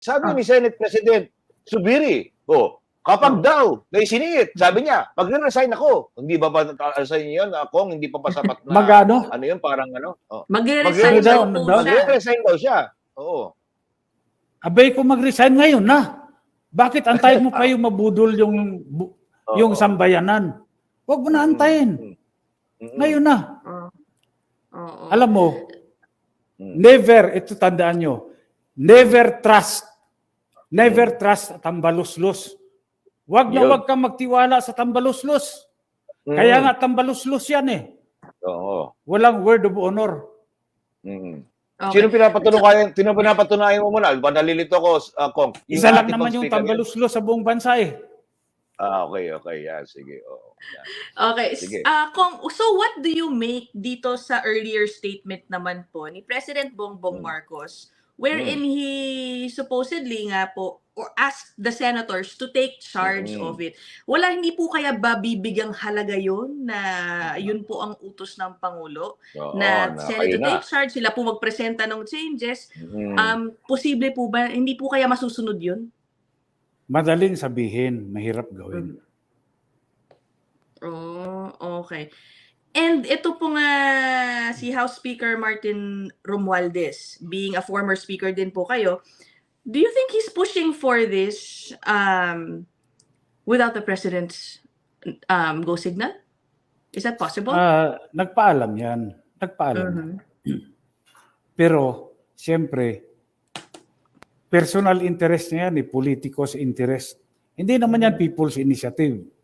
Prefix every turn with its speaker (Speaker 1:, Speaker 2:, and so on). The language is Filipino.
Speaker 1: Sabi ni Senate President Zubiri, kapag daw naisiningit, sabi niya, magre-resign ako. Hindi ba resign yun? Ako, hindi pa sapat na,
Speaker 2: Magano?
Speaker 1: ano yun, parang ano?
Speaker 3: Magre-resign daw po siya.
Speaker 1: Magre-resign daw siya. Oo.
Speaker 2: Abay ko mag-resign ngayon na. Bakit antayin mo pa yung mabudol yung sambayanan? Huwag mo na antayin. Ngayon na. Alam mo, never, ito tandaan nyo, never trust tambaluslos. Wag na wag kang magtiwala sa tambaluslos. Kaya nga tambaluslos yan eh.
Speaker 1: Oo.
Speaker 2: Walang word of honor.
Speaker 1: Okay. Sino pinapatunayan mo muna? Nalilito ko, Kong.
Speaker 2: Isa lang naman yung tambaluslos sa buong bansa eh.
Speaker 1: Okay. Yeah, sige. Yeah.
Speaker 3: Okay.
Speaker 1: Sige.
Speaker 3: Kong, so what do you make dito sa earlier statement naman po ni President Bongbong Marcos wherein he supposedly nga po or asked the senators to take charge of it. Hindi po kaya ba bibigyang halaga yun na yun po ang utos ng Pangulo? Na Senate to take charge, sila po magpresenta ng changes. Posible po ba, hindi po kaya masusunod yun?
Speaker 2: Madaling sabihin, mahirap gawin.
Speaker 3: Okay. And ito po nga si House Speaker Martin Romualdez, being a former speaker din po kayo, do you think he's pushing for this without the President's go signal? Is that possible?
Speaker 2: Nagpaalam yan. Nagpaalam. Pero, siyempre, personal interest niya yan, politicos interest. Hindi naman yan people's initiative.